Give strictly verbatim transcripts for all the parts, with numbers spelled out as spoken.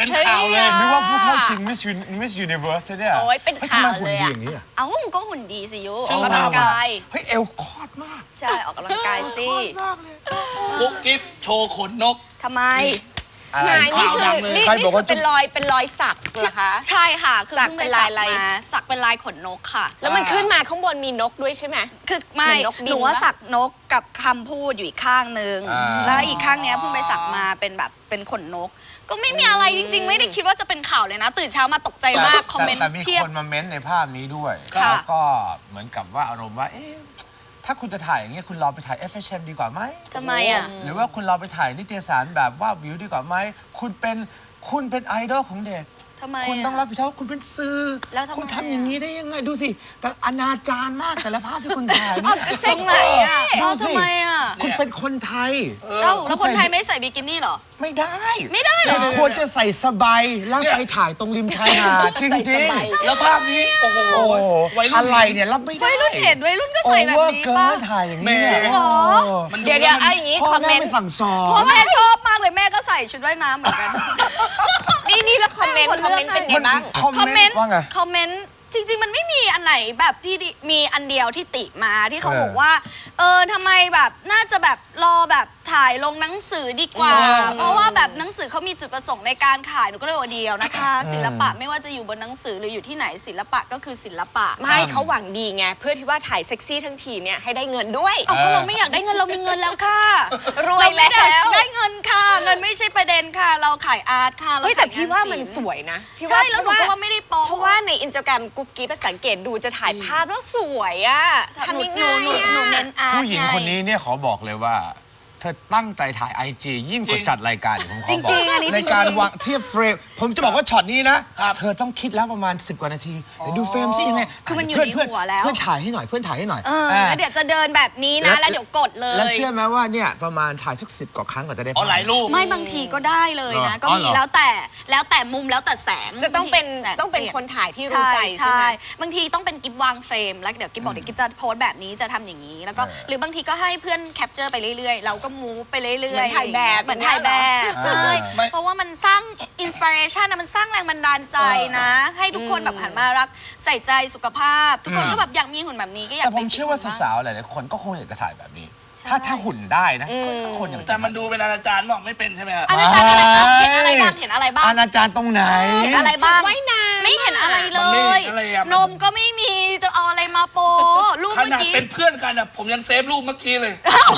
เป็นข่าวเลยนึกว่าผู้เข้าชิง Miss Miss Universe เนี่ยโอ้ยเป็นข่าวเลยอะเอ้ามันก็หุ่นดีสิยุชื่อออกกำลังกายเฮ้ยเอวคอดมากใช่ออกกำลังกายสิกุ๊กกิ๊บโชว์ขนนกทำไมนายนี่คือนี่นี่คือเป็นรอยเป็นรอยสักเหรอคะใช่ค่ะคือสักเพิ่งเป็ไปนสัลาก ยอะไรมาสักเป็นลายขนนกค่ะแล้วมันขึ้นมาข้างบนมีนกด้วยใช่ไหมคือไม่เหมือนนกบินหนูว่าปะสักนกกับคำพูดอยู่อีกข้างนึงแล้วอีกข้างเนี้ยเพิ่งไปสักมาเป็นแบบเป็นขนนก ก็ไม่มีอะไรจริงๆ ไม่ได้คิดว่าจะเป็นข่าวเลยนะ ตื่นเช้ามาตกใจมากคอมเมนต์แต่มีเพียบคนมาเม้นต์ในภาพนี้ด้วยค่ะแล้วก็เหมือนกับว่าอารมณ์ว่าเอ๊ะถ้าคุณจะถ่ายอย่างเงี้ยคุณรอไปถ่าย เอฟ เอช เอ็ม ดีกว่าไหมทำไมอ่ะหรือว่าคุณรอไปถ่ายนิตยสารแบบว่าวิวดีกว่าไหมคุณเป็นคุณเป็นไอดอลของเด็กทำไมคุณต้องอะรับผิดชอบว่าคุณเป็นสื่อแล้วทำไมคุณทำอย่างนี้ได้ยังไงดูสิแต่อนาจารมากแต่ละภาพที่คุณถ่ายตรงไหนอ่ะดูเอ้าสิทำไมอ่ะคุณเป็นคนไทยเอ้าแล้วคนไทยไม่ใส่บิกินี่เหรอไม่ได้ไม่ได้เหรอคุณควรจะใส่สบายแล้วไปถ่ายตรงริมชายหาดจริงๆแล้วภาพนี้โอ้โหโอ้วัยรุ่นอะไรเนี่ยรับไม่ได้วัยรุ่นเห็นวัยรุ่นก็โอใส่แบบเวอร์นี้เกิป่ะนถ่ายอย่างนี้แหมโอ้มันเดี๋ยวเดี๋ยวเอาอย่างนี้พ่อคอมเมแม่นต์ไม่สั่งสอเพนราะแม่ชอบมากเลยแม่ก็ใส่ชุดว่ายน้ำเหมือนกันนี่นี่แล้วคอมเมนต์คอมเมนต์เป็นไงบ้างคอมคอมเมเมนนต์ต์ว่าไงคอมเมนต์จริง ๆ มันไม่มีอันไหนแบบที่ดิมีอันเดียวที่ติมาที่เขาเออบอกว่า เออทำไมแบบน่าจะแบบรอแบบถ่ายลงหนังสือดีกว่า เพราะว่าแบบหนังสือเขามีจุดประสงค์ในการขายหนูก็เลยว่าเดียวนะคะ ศิลปะไม่ว่าจะอยู่บนหนังสือหรืออยู่ที่ไหนศิลปะก็คือศิลปะไม่เขาหวังดีไงเพื่อที่ว่าถ่ายเซ็กซี่ทั้งทีเนี่ยให้ได้เงินด้วยเอาก็เราไม่อยากได้เงินเรามีเงินแล้วค่ะรวยแล้วเราไม่ได้ได้เงินค่ะ เงินไม่ใช่ประเด็นค่ะ เราขายอาร์ตค่ะเราเฮ้ยแต่ขยพี่ว่ามันงศิลป์สวยนะพี่ใช่แล้วหนูก็ว่าไม่ได้โป๊ะเพราะว่าในอินสตาแกรมกุ๊บกิ๊บสังเกตดูจะถ่ายภาพแล้วสวยอ่ะทำยังไงหนูหนูอะหนูเน้นอาร์ตผู้หญิงคนนี้เนี่ยขอบอกเลยว่า เธอตั้งใจถ่ายไอจียิ่งกว่าจัดรายการอีกผมขอบอกจริงๆอันนี้ในการจริงๆวางเทียบเฟรม ผมจะบอกว่าช็อตนี้นะ เธอต้องคิดแล้วประมาณสิบกว่านาทีเดี๋ยวดูเฟรมซิยังไงคือมันอยู่เพื่ในเพื่หัวแล้วเพื่อนถ่ายให้หน่อยเพื่อนถ่ายให้หน่อยเอออ่าแล้วเดี๋ยวจะเดินแบบนี้นะ แล้วเดี๋ยวกดเลยแล้วเชื่อไหมว่าเนี่ยประมาณถ่ายสักสิบกว่าครั้งกว่าจะได้อ๋อหลายรูปไม่บางทีก็ได้เลยนะเหรอก็อ๋อมีเหรอแล้วแต่แล้วแต่มุมแล้วแต่แสงจะต้องเป็นแสต้องเป็นลี่ยคนถ่ายที่รู้ใจใช่ไหมบางทีต้องเป็นกิฟวางเฟรมแล้วเดี๋ยวกิฟบอกเดี๋ยวกิฟจะโพสต์แบบนี้จะทำอย่างนี้แล้วก็หรือบางทีก็ให้เพื่อนแคปเจอร์ไปเรื่อยๆ เราก็มูฟไปเรื่อยๆเหมือนถ่ายแบบเหมือนถ่ายแบบใช่ไม่เพราะว่ามันสร้างอินสปิเรชันนะมันสร้างแรงบันดาลใจนะ ให้ทุกคนแบบหันมารักใส่ใจสุขภาพ ทุกคนก็แบบอยากมีหุ่นแบบนี้ก็อยากแต่ผมไปเชื่อว่าฟิตหุ่นบ้งสาวๆหลายๆคนก็คงอยากจะถ่ายแบบนี้ ถ้าถ้าหุ่นได้นะก็คนอย่างแต่มันดูเป็นอนาจารบอกไม่เป็นใช่ไหมครับอาจารย์อะไรบ้างเห็นอะไรบ้างเห็นอะไรบ้างอนาจารย์ตรงไหนเห็นอะไรบ้างว่ายน้ำไม่เห็นอะไรเลมันไม่ยเห็นอะไรอะนมก็ไม่มีจะเอาอะไรมาโปรูปขเมื่อนาดกี้เป็นเพื่อนกันอะผมยังเซฟรูปเมื่อกี้เลย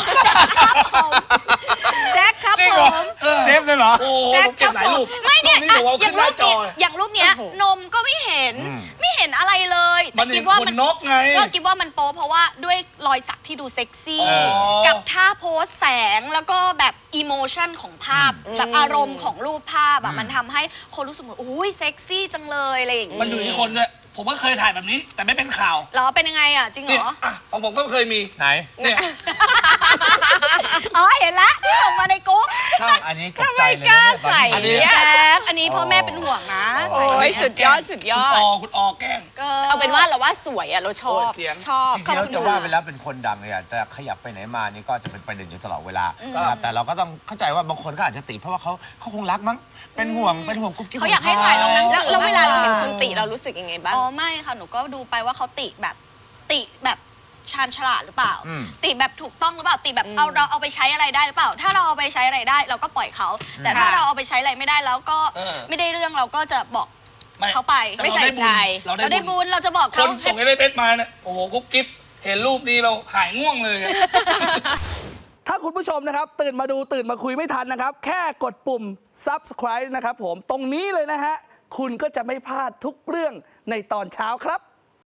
แจ็คครับจริงผเหรอมเซฟเลยเหรอโอ้แจ็คเก็บหลายรูปไม่เนี่ยรูปนี้อะผมเอาอขึ้ย่าน งหรูน้าปจอเนี้ยอย่างรูปเนี้ยนมก็ไม่เห็น ไม่เห็นอะไรเลยมัแต่นคิเห็ดนว่าขมันนนกไงก็คิดว่ามันโป๊เพราะว่าด้วยรอยสักที่ดูเซ็กซี่อ๋อกับท่าโพสแสงแล้วก็แบบอิโมชันของภาพแบบอารมณ์ของรูปภาพอะมันทำให้คนรู้สึกว่าโอ้ยเซ็กซี่จังเลยอะไรอย่างงี้มันอยู่ที่คนด้วยผมก็เคยถ่ายแบบนี้ แต่ไม่เป็นข่าวเหรอเป็นยังไงอะจริงเหรเนี่ยออ่ะของผมก็เคยมีไหนเนี่ยอ๋อเห็นละที่ส่งมาในกรุ๊ปช่างอันนี้ตกใจเลยนะทำไมกล้าเนี่ยตอนใส่นี้แจ็คอันนี้พ่อแม่เป็นห่วงนะโอ้ยสุดยอดสุดยอคุณดอคุณออแกล้งก็เอาเป็นว่าเราว่าสวยอ่ะเราชอบโอ้ยเสียงชอบจริงๆแล้วจะว่าไปแล้วเป็นคนดังเลยอะจะขยับไปไหนมานี่ก็จะเป็นประเด็นอยู่ตลอดเวลานะครับแต่เราก็ต้องเข้าใจว่าบางคนก็อาจจะติเพราะว่าเขาเขาคงรักมั้งเป็นห่วงเป็นห่วงกุ๊บกิ๊บเขาอยากให้ถ่ายลงหนังสืแล้วแล้วเวลาเราเห็นคนติเรารู้สึกยังไงบ้างอ๋อไม่ค่ะหนูก็ดูไปว่าเขาติแบบติแบบชาญฉลาดหรือเปล่า ติแบบถูกต้องหรือเปล่าติแบบเอาเราเอาไปใช้อะไรได้หรือเปล่า ถ้าเราเอาไปใช้อะไรได้เราก็ปล่อยเขา แต่ถ้าเราเอาไปใช้อะไรไม่ได้แล้วก็เออไม่ได้เรื่องเราก็จะบอกไม่เขาไปแต่ไม่เราใส่ได้บุใจญเราเราได้ได้บุบุญญเราจะบอกคเขานส่งให้ได้เพชรมาเนี่ยโอ้โหกุ๊กกิ๊บเห็นรูปนี้เราหายง่วงเลยถ้าคุณผู้ชมนะครับตื่นมาดูตื่นมาคุยไม่ทันนะครับ แค่กดปุ่ม ซับสไครบ์ นะครับผมตรงนี้เลยนะฮะ คุณก็จะไม่พลาดทุกเรื่องในตอนเช้าครับ